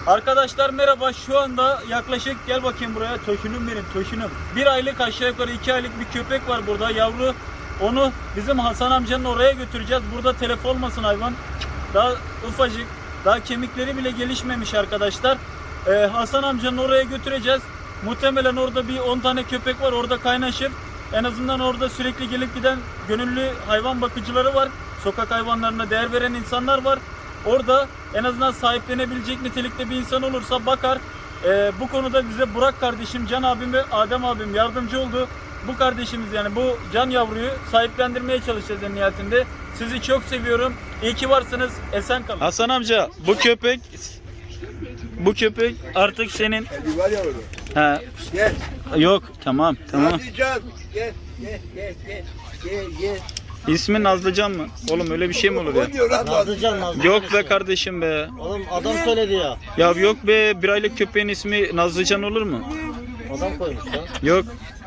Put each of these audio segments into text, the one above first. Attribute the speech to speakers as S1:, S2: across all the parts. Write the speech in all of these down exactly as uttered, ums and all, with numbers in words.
S1: Arkadaşlar merhaba, şu anda yaklaşık, gel bakayım buraya, Toşunum benim, Toşunum. Bir aylık, aşağı yukarı iki aylık bir köpek var burada, yavru. Onu bizim Hasan amcanın oraya götüreceğiz. Burada telef olmasın hayvan. Daha ufacık, daha kemikleri bile gelişmemiş arkadaşlar. Ee, Hasan amcanın oraya götüreceğiz. Muhtemelen orada bir on tane köpek var, orada kaynaşır. En azından orada sürekli gelip giden gönüllü hayvan bakıcıları var. Sokak hayvanlarına değer veren insanlar var. Orada en azından sahiplenebilecek nitelikte bir insan olursa bakar. Ee, bu konuda bize Burak kardeşim, Can abim ve Adem abim yardımcı oldu. Bu kardeşimiz, yani bu can yavruyu sahiplendirmeye çalışacağız en nihayetinde. Sizi çok seviyorum. İyi ki varsınız. Esen kalın. Hasan amca, bu köpek bu köpek artık senin.
S2: Var ya orada.
S1: He.
S2: Gel.
S1: Yok, tamam tamam.
S2: Nazlıcan. Gel gel gel gel. Gel gel.
S1: İsmi Nazlıcan mı? Oğlum öyle bir şey mi olur ya?
S2: O diyor lan Nazlıcan.
S3: Nazlıcan, Nazlıcan.
S1: Yok be kardeşim be.
S3: Oğlum adam söyledi ya.
S1: Ya yok be, bir aylık köpeğin ismi Nazlıcan olur mu?
S3: Adam koymuş lan.
S1: Yok.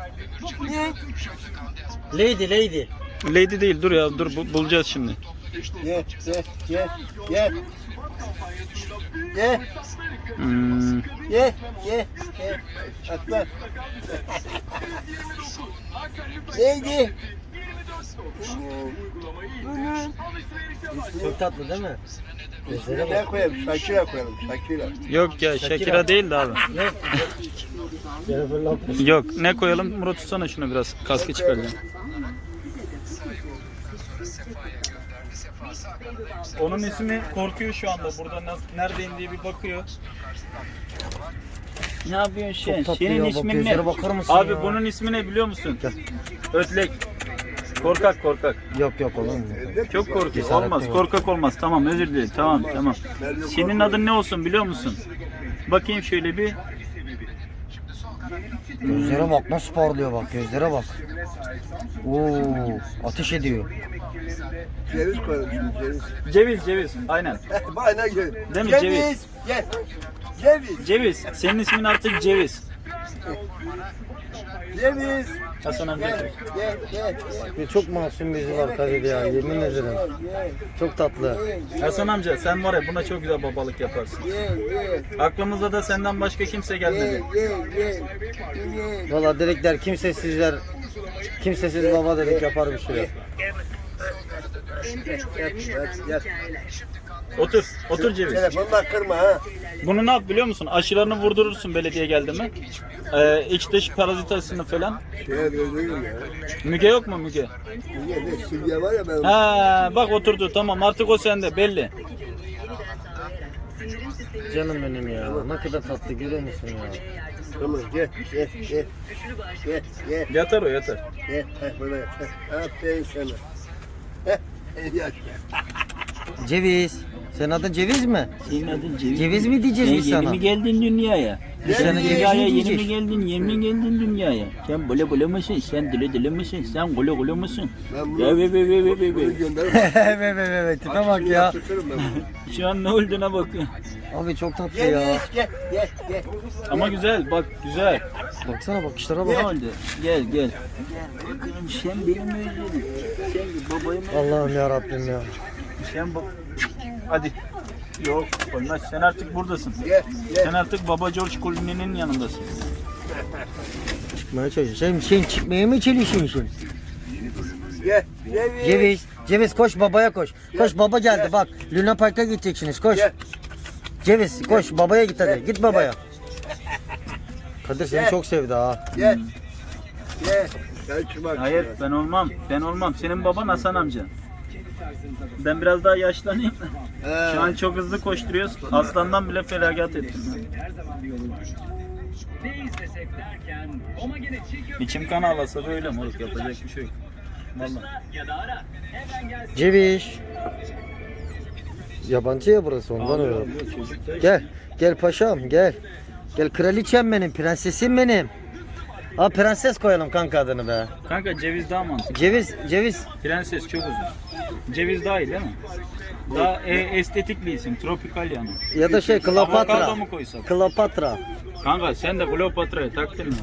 S3: Lady, lady.
S1: Lady değil, dur ya, dur bu- bulacağız şimdi.
S2: Gel gel gel gel. Gel
S1: Hmm.
S2: gel gel gel. Atla. Neydi?
S3: Çok tatlı değil mi? Gözlere
S2: Ne
S3: bak.
S2: koyalım? Şakira koyalım. Şakira.
S1: Yok ya, Shakira değil de abi.
S3: Ne? Jennifer Lopez.
S1: Yok, ne koyalım? Murat, tutsana şunu biraz, kaskı çıkaracağım. Onun ismi korkuyor şu anda, burada nasıl, neredeyim diye bir bakıyor. Ne yapıyorsun sen?
S3: Çok tatlı
S1: Senin
S3: ya, bak
S1: ismin ne?
S3: gözlere bakar mısın
S1: Abi
S3: ya?
S1: bunun ismi ne biliyor musun?
S3: Gel.
S1: Ötlek. Korkak korkak.
S3: Yok yok oğlum.
S1: Çok korkuyor.
S3: Cesaretli
S1: Olmaz.
S3: var.
S1: Korkak olmaz. Tamam, özür dilerim. Tamam tamam. Senin adın ne olsun biliyor musun? Bakayım şöyle bir.
S3: Gözlere bak nasıl parlıyor bak, gözlere bak. Oo, ateş ediyor.
S2: Ceviz koyalım şimdi ceviz.
S1: Ceviz ceviz. Aynen.
S2: Aynen gel.
S1: Değil mi?
S2: Ceviz.
S1: Ceviz.
S2: Gel. Ceviz.
S1: Ceviz. Senin ismin artık Ceviz.
S2: Ceviz.
S1: Hasan amca.
S2: Gel gel gel.
S3: Bir çok masum bizi var Kadir ya, yemin ederim.
S2: Gel
S3: Çok tatlı.
S1: Hasan amca, sen var ya, buna çok güzel babalık yaparsın.
S2: gel gel.
S1: Aklımıza da senden başka kimse
S2: Gel
S1: gelmedi.
S2: gel gel. Gel.
S3: Valla dedikler kimsesizler, kimsesiz baba dedik yapar bir şey yok.
S2: Yat yat yat.
S1: Otur. Otur Ceviz.
S2: Telefonla kırma ha.
S1: Bunu ne yap biliyor musun? Aşılarını vurdurursun belediye geldi mi? Ee, iç dış parazit aşısını falan.
S2: Şeye dönüyorum ya.
S1: Müge yok mu Müge?
S2: Niye ne silge var ya ben.
S1: Ha bak, oturdu, tamam, artık o sende belli.
S3: Canım benim ya, ne kadar tatlı görüyor musun ya?
S2: Tamam gel gel gel. Gel gel
S1: Yatar o, yatar.
S2: gel. Heh böyle yat. Heh, aferin sana. Heh. Yaş.
S3: Ceviz. Senin adın Ceviz mi?
S1: Senin adın Ceviz.
S3: Ceviz mi diyeceğiz biz sana?
S1: geldin dünyaya?
S3: Biz sana ceviz
S1: Dünyaya
S3: mi
S1: yeni mi
S3: diyeceğiz?
S1: geldin? Yeni mi geldin dünyaya? Sen böyle böyle mısın? Sen dile dile misin? Sen gole gole mısın?
S2: Ben bunu-
S1: Ya be be be be be
S2: Bunu
S1: be.
S2: gönderirim.
S3: Evet evet evet, tipe bak ya.
S2: Yaptırırım ben bunu.
S1: Şu an ne olduğuna bak.
S3: Abi çok tatlı ya.
S2: Ceviz gel gel gel.
S1: Ama güzel, bak güzel.
S3: Baksana bakışlara
S1: Ne
S3: bak.
S1: oldu? Gel gel. Gel bakalım, sen benim özledim. Sen babayım.
S3: Allah'ım ya Rabbim ya.
S1: Sen bak. Hadi. Yok olmaz. Sen artık buradasın.
S2: Gel
S1: Sen
S2: gel.
S1: artık Baba George Clooney'nin yanındasın.
S3: Çıkmaya çalışıyor. Sen, sen çıkmaya mı çalışıyorsun?
S2: Gel. Ceviz.
S3: Ceviz. Ceviz koş babaya koş. Koş baba geldi bak. Luna Park'a gideceksiniz koş.
S2: Gel.
S3: Ceviz koş babaya git hadi.
S2: Gel.
S3: Git babaya. Kadir seni
S2: Gel.
S3: çok sevdi ha.
S2: Gel. Gel. Gel çıkmak.
S1: Hayır, ben olmam. Ben olmam. Senin baban Hasan amca. Ben biraz daha yaşlanayım.
S2: He.
S1: Şu an çok hızlı koşturuyoruz. Aslandan bile feragat ettim. İçim kan ağlasa da öyle moruk, yapacak bir şey yok. Vallahi.
S3: Ceviz. Yabancı ya burası ondan öyle. Gel. Gel paşam gel. Gel kraliçem benim, prensesim benim. Ha prenses koyalım kanka adını be.
S1: Kanka ceviz daha mantıklı.
S3: Ceviz, ceviz.
S1: Prenses çok uzun. Ceviz daha iyi değil mi? Daha e, estetik bir isim. Tropikal yani.
S3: Ya da şey
S1: Avokado
S3: Kleopatra.
S1: mu koysak?
S3: Kleopatra.
S1: Kanka sen de Kleopatra'ya taktın mı?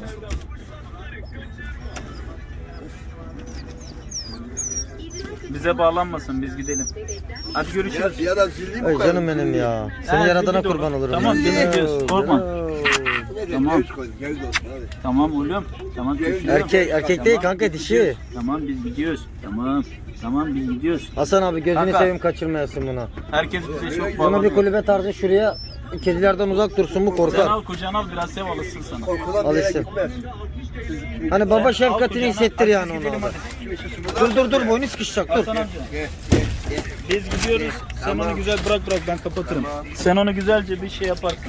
S1: Bize bağlanmasın, biz gidelim. Hadi
S2: Ya
S1: görüşürüz.
S2: ziyadan sildiğim
S3: Ay
S2: bu kadar.
S3: canım benim ya. Senin
S1: Ha,
S3: yaradana
S1: zilli
S3: kurban
S1: doğru.
S3: olurum.
S1: Tamam,
S3: ya.
S1: zilli gidiyoruz, korkma.
S2: Ne
S1: Tamam.
S2: Ceviz koydum, ceviz olsun hadi.
S1: Tamam oğlum. Tamam çocuğum.
S3: Erkek, erkek değil
S1: Tamam,
S3: kanka
S1: biz
S3: dişi.
S1: gidiyoruz. Tamam biz gidiyoruz. Tamam. Tamam biz gidiyoruz.
S3: Hasan abi gözünü
S1: Kanka.
S3: seveyim kaçırmayasın bunu.
S1: Herkes bize çok
S3: Bunu bir
S1: bağlanıyor.
S3: kulübe tarzı şuraya kedilerden uzak dursun bu
S1: Kucağına
S3: korkar.
S1: al, kucağına al, biraz sev alışsın sana.
S2: Korkudan bir yere
S3: Alışsın.
S2: gitmez.
S3: Hani baba
S1: Sen al
S3: şefkatini
S1: kucağına,
S3: hissettir
S1: hadi
S3: yani
S1: biz
S3: ona.
S1: gidelim
S3: abi.
S1: hadi.
S2: Kimisi şurada.
S3: Dur dur dur boynu sıkışacak dur.
S1: Hasan amca. Biz gidiyoruz. Sen onu güzel bırak bırak ben kapatırım. Sen onu güzelce bir şey yaparsın.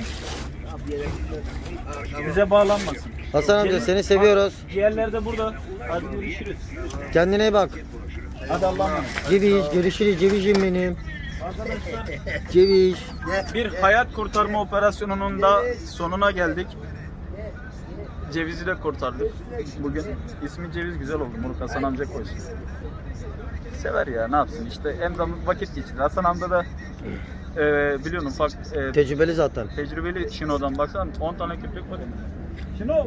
S1: Bize bağlanmasın.
S3: Hasan amca seni seviyoruz.
S1: Diğerleri de burada. Hadi görüşürüz.
S3: Kendine iyi bak.
S1: Hadi Allah'a emanet.
S3: Ceviz görüşürüz cevizim benim. Ceviz.
S1: Bir hayat kurtarma operasyonunun da sonuna geldik. Cevizi de kurtardık bugün. İsmi Ceviz güzel oldu. Bunu Hasan amca koysun. Sever ya ne yapsın işte hem zaman vakit geçirir. Hasan amca da e, biliyorsun ufak e,
S3: Tecrübeli zaten.
S1: tecrübeli Şino'dan baksana on tane köpek var ya. Şino!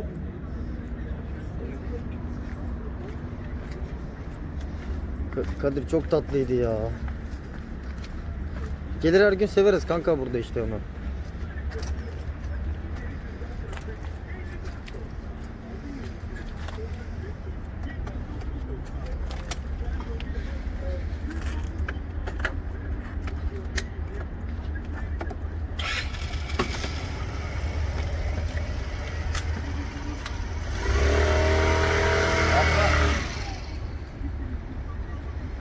S3: Ka- Kadir çok tatlıydı ya. Gelir her gün severiz kanka burada işte onu.